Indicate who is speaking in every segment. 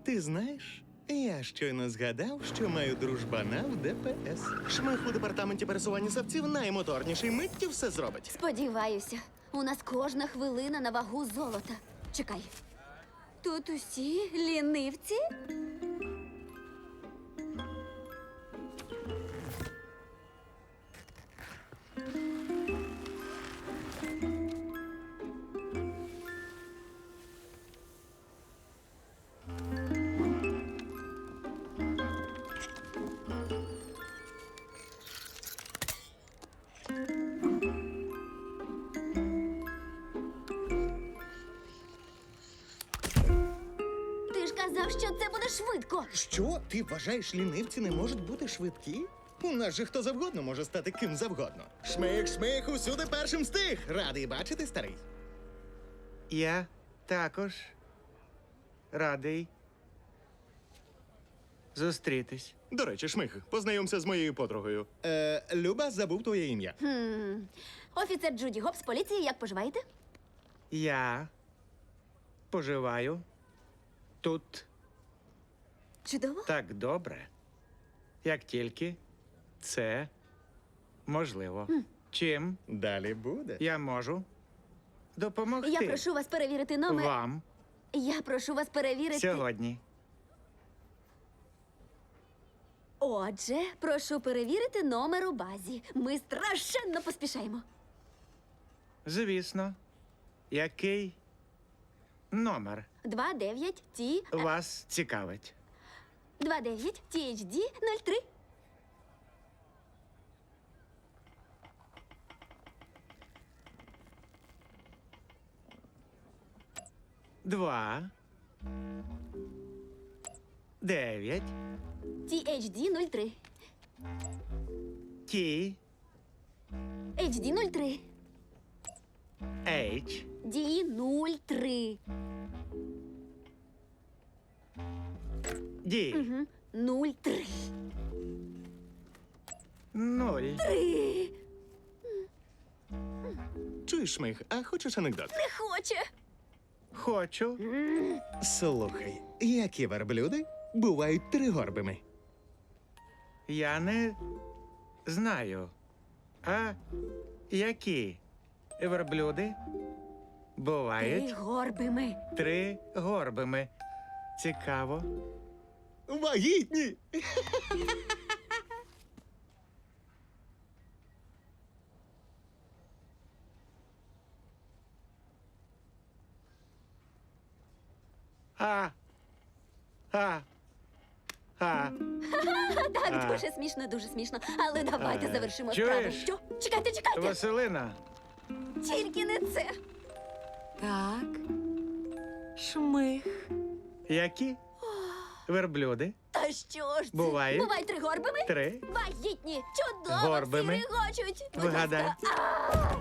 Speaker 1: Ти знаєш, я щойно згадав, що маю дружбана в ДПС. Шмих у департаменті пересування савців наймоторніший, миттю все зробить.
Speaker 2: Сподіваюся, у нас кожна хвилина на вагу золота. Чекай. Тут усі лінивці? Ти ж казав, що це буде швидко.
Speaker 1: Що? Ти вважаєш, лінивці не можуть бути швидкі? У нас же хто завгодно може стати ким завгодно. Шмих, шмих, усюди першим встиг. Радий бачити, старий.
Speaker 3: Я також радий зустрітись.
Speaker 1: До речі, Шмих, познайомся з моєю подругою. Люба, забув твоє ім'я.
Speaker 2: Офіцер Джуді Гоп з поліції, як поживаєте?
Speaker 3: Я поживаю тут
Speaker 2: Чудово.
Speaker 3: так добре, як тільки це можливо. Чим
Speaker 1: Далі буде.
Speaker 3: я можу допомогти
Speaker 2: Я прошу вас перевірити номер.
Speaker 3: вам
Speaker 2: Я прошу вас перевірити.
Speaker 3: сьогодні?
Speaker 2: Отже, прошу перевірити номер у базі. Ми страшенно поспішаємо.
Speaker 3: Звісно. Який номер
Speaker 2: 29 Т
Speaker 3: вас цікавить?
Speaker 2: 29 THD 03.
Speaker 3: Два. 9.
Speaker 2: THD 03.
Speaker 3: Ті.
Speaker 2: HD 03.
Speaker 3: H.
Speaker 2: D 03.
Speaker 3: Ді.
Speaker 2: 03.
Speaker 3: 0.
Speaker 1: Чуєш, Шмих, а хочеш анекдот?
Speaker 2: Не хоче.
Speaker 3: Хочу.
Speaker 1: Слухай, які верблюди бувають тригорбими?
Speaker 3: Я не знаю. А які верблюди бувають
Speaker 2: Горбими.
Speaker 3: тригорбими? Цікаво.
Speaker 1: Вагітні!
Speaker 3: А. А. А.
Speaker 2: Так, дуже смішно, дуже смішно. Але давайте завершимо
Speaker 3: чуєш?
Speaker 2: справу. Що? Чекайте, чекайте!
Speaker 3: Василина.
Speaker 2: Тільки не це.
Speaker 4: Так. Шмих.
Speaker 3: Які верблюди
Speaker 2: Та що ж це?
Speaker 3: Бувають.
Speaker 2: Бувають тригорбими?
Speaker 3: три
Speaker 2: Вагітні! Чудово!
Speaker 3: Горбими.
Speaker 2: Всі регочуть! Будь
Speaker 3: Вигадай.
Speaker 2: ласка.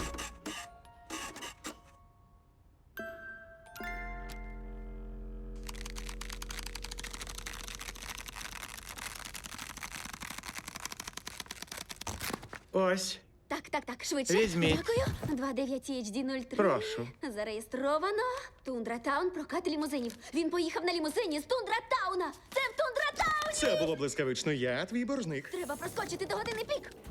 Speaker 3: Ось.
Speaker 2: Так, швидше.
Speaker 3: Візьміть.
Speaker 2: Дякую. 29 HD 03.
Speaker 3: Прошу.
Speaker 2: Зареєстровано. Тундра Таун, прокат лімузинів. Він поїхав на лімузині з Тундра Тауна. Це в Тундра Тауні!
Speaker 1: Це було блискавично. Я твій боржник.
Speaker 2: Треба проскочити до години пік.